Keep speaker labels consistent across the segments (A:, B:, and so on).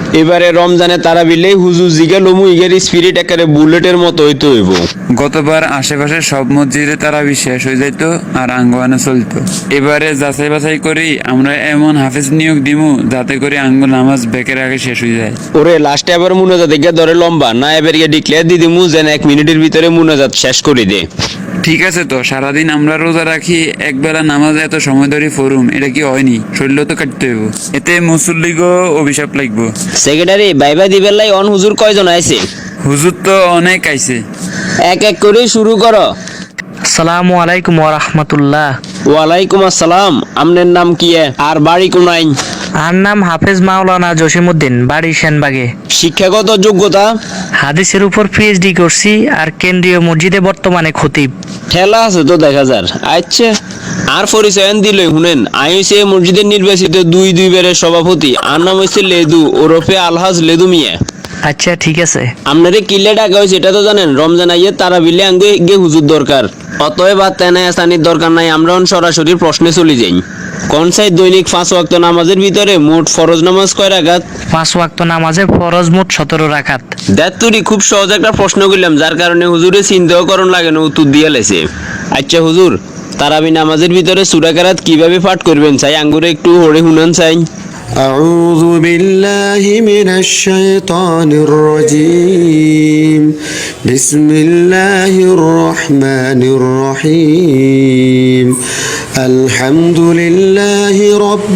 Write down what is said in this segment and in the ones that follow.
A: এবারে রমজানে তারাবিলেই হুজুর জিগা লমু ইগের স্পিরিট একেবারে বুলেটের মতো হইতে হইব।
B: গতবার আশেপাশে সব মসজিদে তারাবি শেষ হয়ে যাইতো আর আঙ্গোয়ানে চলতো। এবারে যাচাই বাছাই করি আমরা এমন হাফেজ নিয়োগ দিমু যাতে করে আঙ্গ নামাজ বেকের আগে শেষ হয়ে যায়।
A: ওরে লাস্টে আবার মুনাজাত গিয়ে ধরে লম্বা না, এবার গিয়ে ডিক্লেয়ার দিয়ে দিমু যেন 1 মিনিটের ভিতরে মুনাজাত শেষ করে দে।
B: ঠিক আছে, তো সারাদিন আমরা রোজা রাখি, একবেলা নামাজ এত সময় ধরে ফরুম, এটা কি হয়নি? শরীর তো কাটতে হইব, এতে মুসল্লিগো অভিশাপ লাগবো।
A: সেক্রেটারি বাইবা দিবেন লাই অন হুজুর কয়জন আইছে?
B: হুজুর তো অনেক আইছে।
A: এক এক করে শুরু করো।
C: আসসালামু আলাইকুম ওয়া রাহমাতুল্লাহ।
A: ওয়ালাইকুম আসসালাম। আমনের নাম কি আর বাড়ি কোনাই?
C: আর নাম হাফেজ মাওলানা জসিমউদ্দিন, বাড়ি সেনবাগে।
A: শিক্ষাগত যোগ্যতা?
C: হাদিসের উপর পিএইচডি করছি আর কেন্দ্রীয় মসজিদে বর্তমানে খতিব।
A: ঠেলা আছে তো দেখা যার। আচ্ছা, আর পরিচয়ন দিলে শুনেন, আইসে মসজিদের নির্বাচিত দুইবারের সভাপতি। আর নাম হচ্ছে লেদু ওরফে আলহাজ লেদু মিয়া।
C: আচ্ছা ঠিক আছে।
A: আপনারে কিলে ডাকা হয়েছে এটা তো জানেন। রমজান আইয়ে তারা বিলে আঙ্গে গে হুজুর দরকার, অতএব আর তেনায় আসানির দরকার নাই। আমরা সরাসরি প্রশ্নে চলে যাই। কোন সাইড দৈনিক 5 ওয়াক্ত নামাজের ভিতরে মোট ফরজ নামাজ কয় রাকাত?
C: 5 ওয়াক্ত নামাজে ফরজ মোট 17 রাকাত।
A: দেতুরি খুব সহজ একটা প্রশ্ন করলাম, যার কারণে হুজুরে চিন্তাও করণ লাগে না, উত্তর দিয়ে লেছে। আচ্ছা হুজুর, তারাবি নামাজের ভিতরে সূরা কেরাত কিভাবে পাঠ করবেন চাই আঙ্গুরে একটু হরে শুনান চাই।
D: أعوذ بالله من الشيطان الرجيم بسم الله الرحمن الرحيم الحمد لله رب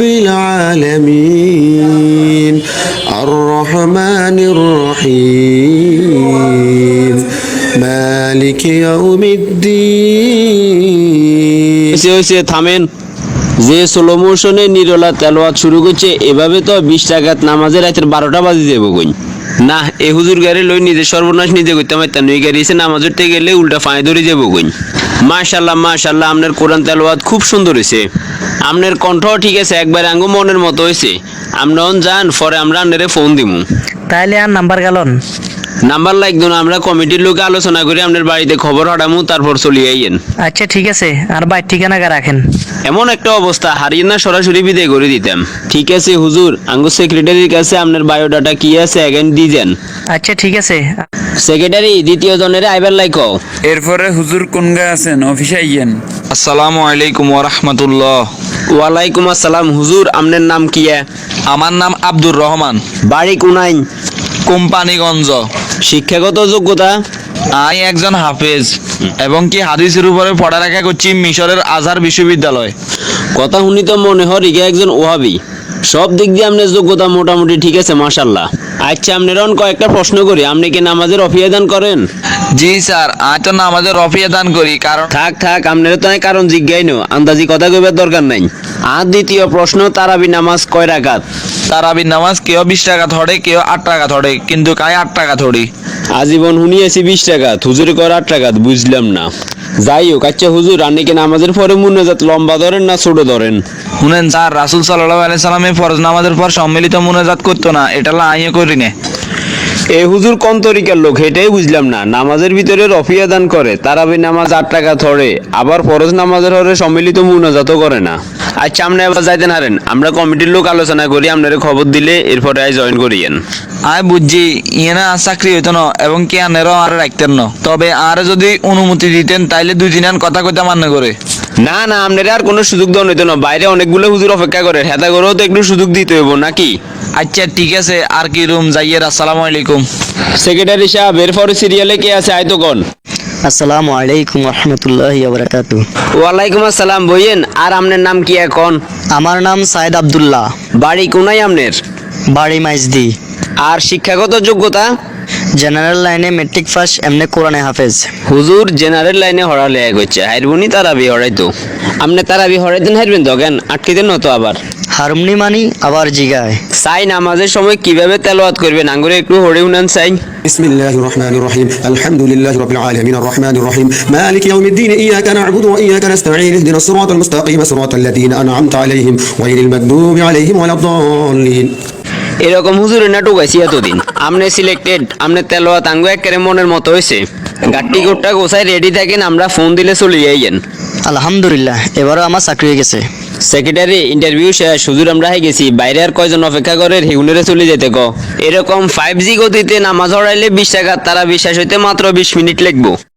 D: العالمين الرحمن الرحيم مالك يوم الدين.
A: থামেন। যে স্লো মোশনে নিরলা তেলাওয়াত শুরু করছে, এভাবে তো 20 রাকাত নামাজে রাতের 12টা বাজে যাবো কই না। এ হুজুর গাড়ি লই নিজে সর্বনাশ নিজে করতে পারতাম। এই গাড়ি এসে নামাজ পড়তে গেলে উল্টা ফাঁয়ে ধরে যাবো কই। মাশাল্লাহ মাশাল্লাহ, আপনার কোরআন তেলাওয়াত খুব সুন্দর হয়েছে। আপনার কণ্ঠ ঠিক আছে, একবার আঙ্গু মনের মতো হয়েছে। আমরা যান পরে আমরা আপনারে ফোন দিমু।
C: তাইলে আর নাম্বার গেলন?
A: নাম্বার লাগতো না, আমরা কমিটির লোকে আলোচনা করে আপনার বাড়িতে খবর হারামু, তারপর চলিয়ে আইয়েন।
C: আচ্ছা ঠিক আছে, আর বাইর ঠিকানা রাখেন।
A: এমন একটা অবস্থা হারিয়ে না সরাসরি বিদায় করে দিতাম। ঠিক আছে হুজুর, আঙ্গু সেক্রেটারির কাছে আপনার বায়োডাটা কি আছে এগেন দিয়েন।
C: আচ্ছা ঠিক আছে।
A: সেক্রেটারি দ্বিতীয় জনের আইবার লাইক।
B: এরপরে হুজুর কোন গায়ে আছেন, অফিসে আইয়েন।
E: আসসালামু আলাইকুম ওয়া রাহমাতুল্লাহ।
A: ওয়ালাইকুম আসসালাম। হুজুর আপনার নাম কি?
E: আমার নাম আব্দুর রহমান,
A: বাড়ি কোনাই?
E: কোম্পানিগঞ্জ।
A: শিক্ষাগত যোগ্যতা?
E: আমি একজন হাফেজ এবং কি হাদিসের উপরে পড়ালেখা করছি মিশরের আজহার বিশ্ববিদ্যালয়।
A: কথা শুনি তো মনে হয় রিগা একজন ওহাবি। সব দিক দিয়ে আপনার যোগ্যতা মোটামুটি ঠিক আছে মাশাল্লাহ। আচ্ছা আপনার কয়েকটা প্রশ্ন করি, আপনি কি নামাজের রফিয়া দান করেন?
E: জি স্যার, আমি তো নামাজের রফিয়া দান করি। কারণ
A: থাক আপনার তো কারণ জিজ্ঞাই নো, আন্দাজি কথা কইবার দরকার নাই। আর দ্বিতীয় প্রশ্ন, তারাবি নামাজ কয় রাকাত?
E: তারাবির নামাজ কেউ 20 টাকা ধরে, কেউ 8 টাকা ধরে, কিন্তু কাই 8 টাকা ধরি।
A: আজীবন শুনিয়েছি 20 টাকা, হুজুরে কর 8 টাকা, বুঝলাম না। যাই হোক, আচ্ছা হুজুর আপনি কি নামাজের পরে মুনাজাত লম্বা ধরেন না ছোট ধরেন?
E: শুনেন স্যার, রাসূল সাল্লাল্লাহু আলাইহি সাল্লামে ফরজ নামাজের পর সম্মিলিত মুনাজাত করতো না, এটা আমিও করি না।
A: এ হুজুর কোন তরিকার লোক এটাই বুঝলাম না। নামাজের ভিতরে রফিয়া দান করে, তারাবি নামাজ 8 টাকা ধরে, আবার ফরজ নামাজের হরে সম্মিলিত মুনাজাতও করে না। আচ্ছা আপনি আবার যাইতেন হারেন, আমরা কমিটির লোক আলোচনা করি, আপনারে খবর দিলে এরপরে আই জয়েন করিয়েন।
E: আমি বুঝছি ইয়েনা চাকরি হইতো না এবং কি আনেরও আর রাখতেন না, তবে আর যদি অনুমতি দিতেন তাইলে 2 দিন কথা কইতে মান্য করে।
A: না আপনারা আর কোনো সুযোগ দেওয়া হইতো না, বাইরে অনেকগুলো হুজুর অপেক্ষা করে, হেতা করেও তো একটু সুযোগ দিতে হইব নাকি?
E: আচ্ছা ঠিক আছে, আর কি রুম যাইয়ের। আসসালামু আলাইকুম।
A: সেক্রেটারি সাহেব এরপরে সিরিয়ালে কে আছে আয়তো কোন?
F: আসসালামু আলাইকুম রহমতুল্লাহি ওয়া বারাকাতুহু।
A: ওয়ালাইকুম আসসালাম। বইয়েন, আর আপনার নাম কি এখন?
F: আমার নাম সাইদ আব্দুল্লাহ,
A: বাড়ি কোনাই আপনার?
F: বাড়ি মাইজদি।
A: আর শিক্ষাগত যোগ্যতা?
F: জেনারেল লাইনে মেট্রিক পাস, এমনি কোরআনে হাফেজ।
A: হুজুর জেনারেল লাইনে হরালে এক হচ্ছে, হাইরবুনি তারাবি হরাইতো। আপনি তারাবি হরাইতেন, হাইরবেন তো কেন আটকে দেন তো আবার
F: হারমনি মানি আবার জিগায়।
A: চাই নামাজের সময় কিভাবে তেলাওয়াত করবেন আঙ্গুরে একটু হরে উনান চাই।
D: بسم الله الرحمن الرحيم الحمد لله رب العالمين الرحمن الرحيم مالك يوم الدين إياك نعبد وإياك نستعين اهدنا الصراط المستقيم صراط الذين أنعمت عليهم غير المغضوب عليهم ولا الضالين.
A: এরকম হুজুরের নাটক আছে এতদিন। আপনি সিলেক্টেড, আপনার তেলাওয়াত আঙ্গু একেবারে মনের মতো হয়েছে। গাট্টি গোট্টা গোছায় রেডি থাকেন, আমরা ফোন দিলে চলে যাইয়েন।
F: আলহামদুলিল্লাহ, এবারও আমার চাকরি হয়ে গেছে।
A: সেক্রেটারি ইন্টারভিউ শেষ, হুজুর আমরা হয়ে গেছি, বাইরে আর কয়জন অপেক্ষা করে রেগুলারে চলে যেতে ক। এরকম 5G গতিতে নামাজ পড়াইলে 20 টাকা, তারা বিশ্বাস হইতে মাত্র 20 মিনিট লাগবো।